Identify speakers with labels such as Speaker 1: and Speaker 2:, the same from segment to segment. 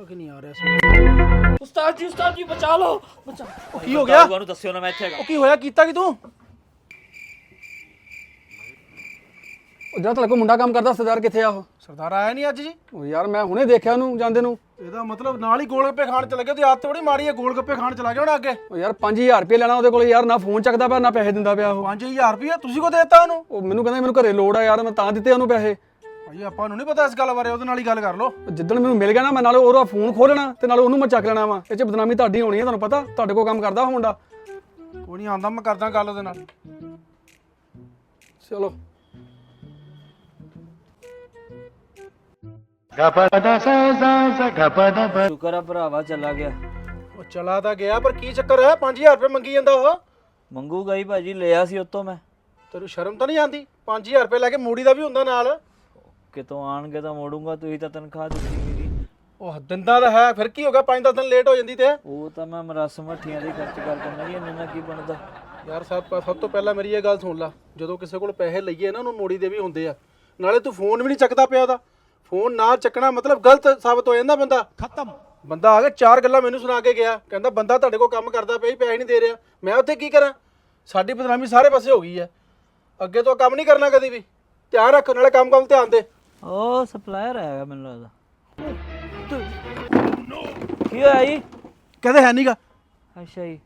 Speaker 1: ਕਿ ਨਹੀਂ ਆ ਰਿਹਾ
Speaker 2: ਉਸਤਾਦ ਜੀ ਬਚਾ ਲਓ ਬਚਾ।
Speaker 1: ਕੀ ਹੋ ਗਿਆ?
Speaker 2: ਤੁਹਾਨੂੰ ਦੱਸਿਓ ਨਾ ਮੈਂ ਇੱਥੇ ਹੈਗਾ।
Speaker 1: ਉਹ ਕੀ ਹੋਇਆ? ਕੀਤਾ ਕਿ ਤੂੰ?
Speaker 3: ਜਿਹੜਾ ਤੁਹਾਡੇ ਕੋਲ ਮੁੰਡਾ ਕੰਮ ਕਰਦਾ ਸਰਦਾਰ ਕਿੱਥੇ ਆ ਉਹ?
Speaker 1: ਸਰਦਾਰ ਆਇਆ ਨਹੀਂ ਅੱਜ ਜੀ?
Speaker 3: ਉਹ ਯਾਰ ਮੈਂ ਹੁਣੇ ਦੇਖਿਆ ਉਹਨੂੰ ਜਾਂਦੇ ਨੂੰ।
Speaker 1: ਇਹਦਾ ਮਤਲਬ ਨਾਲ ਹੀ ਗੋਲ ਗੱਪੇ ਖਾਣ ਚਲਾ ਗਿਆ। ਤੇ ਆਦਤ ਬੜੀ ਮਾੜੀ ਹੈ, ਗੋਲ ਗੱਪੇ ਖਾਣ ਚਲਾ ਗਿਆ ਹੁਣ ਅੱਗੇ।
Speaker 3: ਉਹ ਯਾਰ 5000 ਰੁਪਏ ਲੈਣਾ ਉਹਦੇ ਕੋਲ ਯਾਰ, ਨਾ ਫੋਨ ਚੱਕਦਾ ਪਿਆ ਨਾ ਪੈਸੇ ਦਿੰਦਾ ਪਿਆ ਉਹ।
Speaker 1: 5000 ਰੁਪਏ ਤੁਸੀਂ ਕੋ ਦੇਤਾ ਉਹਨੂੰ?
Speaker 3: ਉਹ ਮੈਨੂੰ ਕਹਿੰਦਾ ਮੈਨੂੰ ਘਰੇ ਲੋੜ ਆ ਯਾਰ, ਮੈਂ ਤਾਂ ਦਿੱਤੇ ਉਹਨੂੰ ਪੈਸੇ।
Speaker 1: ਭਾਜੀ ਆਪਾਂ ਨੂੰ ਨਹੀਂ ਪਤਾ ਇਸ ਗੱਲ ਬਾਰੇ, ਉਹਦੇ ਨਾਲ ਹੀ ਗੱਲ ਕਰ ਲਓ।
Speaker 3: ਜਿੱਦਣ ਮੈਨੂੰ ਮਿਲ ਗਿਆ ਨਾ, ਮੈਂ ਨਾਲੇ ਉਹਦਾ ਫੋਨ ਖੋਲਣਾ ਤੇ ਨਾਲੇ ਉਹਨੂੰ ਮੈਂ ਚੱਕ ਲੈਣਾ ਵਾ। ਇਹ ਚ ਬਦਨਾਮੀ ਤੁਹਾਡੀ ਹੋਣੀ ਹੈ, ਤੁਹਾਨੂੰ ਪਤਾ ਤੁਹਾਡੇ ਕੋਲ ਕੰਮ ਕਰਦਾ ਉਹ ਮੁੰਡਾ।
Speaker 1: ਕੋਈ ਨਹੀਂ ਆਂਦਾ, ਮੈਂ ਕਰਦਾ ਗੱਲ ਉਹਦੇ ਨਾਲ।
Speaker 3: ਚਲੋ
Speaker 2: ਸ਼ੁਕਰ ਆ ਭਰਾਵਾ ਚਲਾ ਗਿਆ।
Speaker 1: ਉਹ ਚਲਾ ਤਾਂ ਗਿਆ, ਪਰ ਕੀ ਚੱਕਰ ਹੈ? 5000 ਰੁਪਏ ਮੰਗੀ ਜਾਂਦਾ ਉਹ।
Speaker 2: ਮੰਗੂਗਾ ਹੀ ਭਾਜੀ, ਲਿਆ ਸੀ ਉਤੋਂ ਮੈਂ।
Speaker 1: ਤੈਨੂੰ ਸ਼ਰਮ ਤਾਂ ਨਹੀਂ ਆਉਂਦੀ? 5000 ਰੁਪਏ ਲੈ ਕੇ ਮੂੜੀ ਦਾ ਵੀ ਹੁੰਦਾ ਨਾਲ।
Speaker 2: ਕਿਤੋਂ ਆਣਗੇ ਤਾਂ ਮੋੜੂੰਗਾ, ਤੁਸੀਂ ਤਾਂ ਤਨਖਾਹ ਦਿੱਤੀ ਮੇਰੀ।
Speaker 1: ਉਹ ਦਿੰਦਾ ਤਾਂ ਹੈ, ਫਿਰ ਕੀ ਹੋ ਗਿਆ? 5-10 ਦਿਨ ਲੇਟ ਹੋ ਜਾਂਦੀ ਤੇ।
Speaker 2: ਉਹ ਤਾਂ ਮੈਂ ਮਰਸ ਮੱਠੀਆਂ ਦੀ ਖਰਚ ਕਰ ਦਿੰਦਾ ਜੀ, ਇੰਨੇ ਨਾਲ ਕੀ ਬਣਦਾ।
Speaker 1: ਯਾਰ ਸਭ ਤੋਂ ਪਹਿਲਾਂ ਮੇਰੀ ਇਹ ਗੱਲ ਸੁਣ ਲੈ, ਜਦੋਂ ਕਿਸੇ ਕੋਲ ਪੈਸੇ ਲਈਏ ਨਾ, ਉਹਨੂੰ ਮੋੜੀ ਦੇ ਵੀ ਹੁੰਦੇ ਆ। ਨਾਲੇ ਤੂੰ ਫੋਨ ਵੀ ਨਹੀਂ ਚੱਕਦਾ ਪਿਆ ਉਹਦਾ। ਫੋਨ ਨਾ ਚੱਕਣਾ ਮਤਲਬ ਗਲਤ ਸਾਬਤ ਹੋ ਜਾਂਦਾ। ਬੰਦਾ ਖਤਮ। ਬੰਦਾ ਆ ਕੇ 4 ਗੱਲਾਂ ਮੈਨੂੰ ਸੁਣਾ ਕੇ ਗਿਆ, ਕਹਿੰਦਾ ਬੰਦਾ ਤੁਹਾਡੇ ਕੋਲ ਕੰਮ ਕਰਦਾ ਪਿਆ, ਪੈਸੇ ਨਹੀਂ ਦੇ ਰਿਹਾ। ਮੈਂ ਉੱਥੇ ਕੀ ਕਰਾਂ? ਸਾਡੀ ਬਦਨਾਮੀ ਸਾਰੇ ਪਾਸੇ ਹੋ ਗਈ ਹੈ। ਅੱਗੇ ਤੋਂ ਕੰਮ ਨਹੀਂ ਕਰਨਾ ਕਦੀ ਵੀ। ਧਿਆਨ ਰੱਖ, ਨਾਲੇ ਕੰਮ ਧਿਆਨ ਦੇ।
Speaker 2: ਉਹ ਸਪਲਾਇਰ ਆਇਆ ਮੈਨੂੰ ਲੱਗਦਾ। ਕੀ ਹੋਇਆ ਜੀ?
Speaker 1: ਕਹਿੰਦੇ ਹੈ ਨਹੀਂਗਾ।
Speaker 2: ਅੱਛਾ ਜੀ।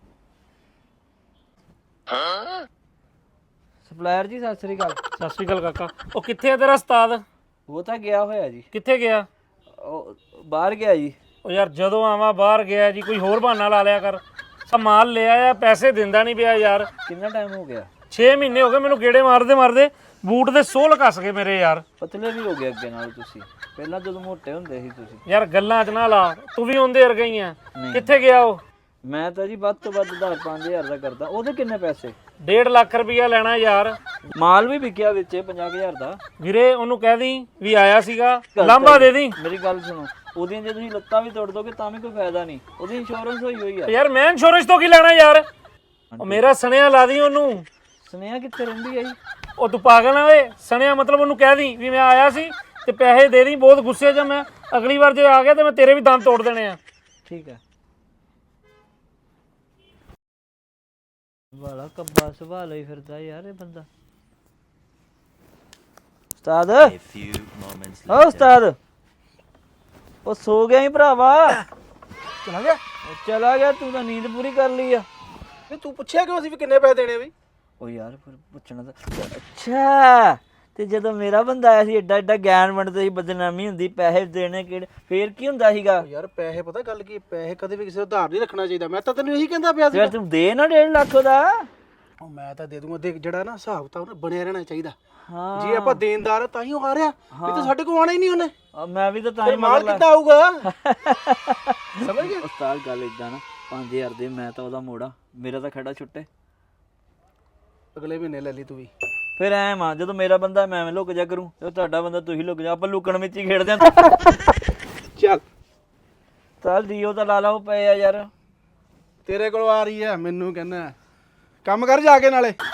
Speaker 2: ਸਪਲਾਇਰ ਜੀ ਸਤਿ ਸ੍ਰੀ ਅਕਾਲ।
Speaker 4: ਸਤਿ ਸ਼੍ਰੀ ਅਕਾਲ ਕਾਕਾ। ਉਹ ਕਿੱਥੇ ਆ ਤੇਰਾ ਉਸਤਾਦ?
Speaker 2: ਉਹ ਤਾਂ ਗਿਆ ਹੋਇਆ ਜੀ।
Speaker 4: ਕਿੱਥੇ ਗਿਆ?
Speaker 2: ਉਹ ਬਾਹਰ ਗਿਆ ਜੀ।
Speaker 4: ਉਹ ਯਾਰ ਜਦੋਂ ਆਵਾਂ ਬਾਹਰ ਗਿਆ ਜੀ, ਕੋਈ ਹੋਰ ਬਹਾਨਾ ਲਾ ਲਿਆ ਕਰ। ਆ ਮਾਲ ਲਿਆ ਆ, ਪੈਸੇ ਦਿੰਦਾ ਨਹੀਂ ਪਿਆ ਯਾਰ।
Speaker 2: ਕਿੰਨਾ ਟਾਈਮ ਹੋ ਗਿਆ?
Speaker 4: 6 ਮਹੀਨੇ ਹੋ ਗਏ ਮੈਨੂੰ ਗੇੜੇ ਮਾਰਦੇ ਬੂਟ ਦੇ ਸੋਲ ਕੱਸ ਗਏ ਮੇਰੇ ਯਾਰ।
Speaker 2: ਪਤਲੇ ਵੀ ਹੋ ਗਏ ਅੱਗੇ ਨਾਲ ਤੁਸੀਂ। ਪਹਿਲਾਂ ਜਦੋਂ ਮੋਟੇ ਹੁੰਦੇ ਸੀ ਤੁਸੀਂ।
Speaker 4: ਯਾਰ ਗੱਲਾਂ 'ਚ ਨਾ ਲਾ, ਤੂੰ ਵੀ ਉਹਦੇ ਵਰਗਾ ਹੀ ਆ। ਕਿੱਥੇ ਗਿਆ ਉਹ?
Speaker 2: ਮੈਂ ਤਾਂ ਜੀ ਵੱਧ ਤੋਂ ਵੱਧ 10-5000 ਦਾ ਕਰਦਾ। ਉਹਦੇ ਕਿੰਨੇ ਪੈਸੇ?
Speaker 4: 1.5 ਲੱਖ ਰੁਪਇਆ ਲੈਣਾ ਯਾਰ।
Speaker 2: ਮਾਲ ਵੀ ਵਿਕਿਆ ਵਿੱਚ 50,000 ਦਾ।
Speaker 4: ਵੀਰੇ ਉਹਨੂੰ ਕਹਿ ਦੀ ਵੀ ਆਇਆ ਸੀਗਾ, ਲਾਂਭਾ ਦੇ ਦੀ।
Speaker 2: ਮੇਰੀ ਗੱਲ ਸੁਣੋ, ਉਹਦੀਆਂ ਜੇ ਤੁਸੀਂ ਲੱਤਾਂ ਵੀ ਤੋੜ ਦੋਗੇ ਤਾਂ ਵੀ ਕੋਈ ਫਾਇਦਾ ਨਹੀਂ। ਉਹਦੀ ਇੰਸ਼ੋਰੈਂਸ ਹੋਈ ਆ।
Speaker 4: ਯਾਰ ਮੈਂ ਇੰਸ਼ੋਰੈਂਸ ਤੋਂ ਕੀ ਲੈਣਾ ਯਾਰ? ਉਹ ਮੇਰਾ ਸਣਿਆ ਲਾ ਦੀ ਉਹਨੂੰ।
Speaker 2: ਸੁਨੇਹਾ ਕਿੱਥੇ ਰਹਿੰਦੀ ਹੈ ਜੀ?
Speaker 4: ਉਹ ਤੂੰ ਪਾਗਲ ਨਾ ਓਏ? ਸਣਿਆ ਮਤਲਬ ਉਹਨੂੰ ਕਹਿ ਦੀ ਵੀ ਮੈਂ ਆਇਆ ਸੀ ਤੇ ਪੈਸੇ ਦੇ ਦੀ। ਬਹੁਤ ਗੁੱਸੇ 'ਚ ਮੈਂ, ਅਗਲੀ ਵਾਰ ਜੇ ਆ ਗਿਆ ਤੇ ਮੈਂ ਤੇਰੇ ਵੀ ਦੰਦ ਤੋੜ ਦੇਣੇ ਆ।
Speaker 2: ਠੀਕ ਹੈ। ਵਾਲਾ ਕੱਬਾ ਸੁਭਾਅ ਲਈ ਫਿਰਦਾ ਯਾਰ ਇਹ ਬੰਦਾ। ਉਸਤਾਦ, ਓ ਉਸਤਾਦ, ਉਹ ਸੋ ਗਿਆ ਹੀ ਭਰਾਵਾ।
Speaker 1: ਚਲਾ ਗਿਆ?
Speaker 2: ਉਹ ਚਲਾ ਗਿਆ, ਤੂੰ ਤਾਂ ਨੀਂਦ ਪੂਰੀ ਕਰ ਲਈ ਆ।
Speaker 1: ਵੀ ਤੂੰ ਪੁੱਛਿਆ ਕਿਉਂ ਸੀ ਵੀ ਕਿੰਨੇ ਪੈਸੇ ਦੇਣੇ? ਵੀ
Speaker 2: ਉਹ ਯਾਰ ਫਿਰ ਪੁੱਛਣਾ ਤਾਂ। ਅੱਛਾ, ਤੇ ਜਦੋਂ ਮੇਰਾ ਬੰਦਾ ਆਇਆ ਸੀ ਏਡਾ ਏਡਾ ਗਿਆਨ ਵੰਡਦਾ ਸੀ, ਬਦਨਾਮੀ ਹੁੰਦੀ, ਪੈਸੇ ਦੇਣੇ ਕਿਹੜੇ, ਫੇਰ ਕੀ ਹੁੰਦਾ ਸੀਗਾ?
Speaker 1: ਯਾਰ ਪੈਸੇ ਪਤਾ ਗੱਲ ਕੀ, ਪੈਸੇ ਕਦੇ ਵੀ ਕਿਸੇ ਦਾ ਉਧਾਰ ਨਹੀਂ ਰੱਖਣਾ ਚਾਹੀਦਾ। ਮੈਂ ਤਾਂ ਤੈਨੂੰ ਇਹੀ ਕਹਿੰਦਾ ਪਿਆ ਸੀ।
Speaker 2: ਯਾਰ ਤੂੰ ਦੇ ਨਾ 1.5 ਲੱਖ ਦਾ।
Speaker 1: ਉਹ ਮੈਂ ਤਾਂ ਦੇ ਦੂੰਗਾ। ਦੇਖ ਜਿਹੜਾ ਨਾ ਹਿਸਾਬ ਤਾਂ ਉਹਨੇ ਬਣਿਆ ਰਹਿਣਾ ਚਾਹੀਦਾ।
Speaker 2: ਹਾਂ
Speaker 1: ਜੇ ਆਪਾਂ ਦੇਣਦਾਰ ਆ ਤਾਂ ਹੀ ਉਹ ਆ ਰਿਹਾ, ਵੀ ਤਾਂ ਸਾਡੇ ਕੋਲ ਆਣਾ ਹੀ ਨਹੀਂ ਉਹਨੇ।
Speaker 2: ਮੈਂ ਵੀ ਤਾਂ ਹੀ
Speaker 1: ਮਾਲ ਕਿੱਦਾਂ ਆਊਗਾ? ਸਮਝ ਗਿਆ?
Speaker 2: ਉਸਤਾਦ ਗੱਲ ਇਦਾਂ ਨਾ, 5000 ਦੇ ਮੈਂ ਤਾਂ ਉਹਦਾ ਮੋੜਾ, ਮੇਰਾ ਤਾਂ ਖੜਾ ਛੁੱਟੇ।
Speaker 1: ਅਗਲੇ ਮਹੀਨੇ ਲੈ ਲਈ ਤੂੰ ਵੀ।
Speaker 2: ਫਿਰ ਐ ਮਾਂ, ਜਦੋਂ ਮੇਰਾ ਬੰਦਾ ਮੈਂ ਲੁਕ ਜਾ ਕਰੂੰ, ਤੇ ਤੁਹਾਡਾ ਬੰਦਾ ਤੁਸੀਂ ਲੁਕ ਜਾ। ਆਪਾਂ ਲੁਕਣ ਵਿੱਚ ਹੀ ਖੇਡਦੇ ਆਂ।
Speaker 1: ਚੱਲ
Speaker 2: ਚੱਲ ਡੀਓ ਤਾਂ ਲਾ ਲਾ, ਉਹ ਪਏ ਆ ਯਾਰ।
Speaker 1: ਤੇਰੇ ਕੋਲ ਆ ਰਹੀ ਹੈ, ਮੈਨੂੰ ਕਹਿੰਦਾ ਕੰਮ ਕਰ ਜਾ ਕੇ ਨਾਲੇ।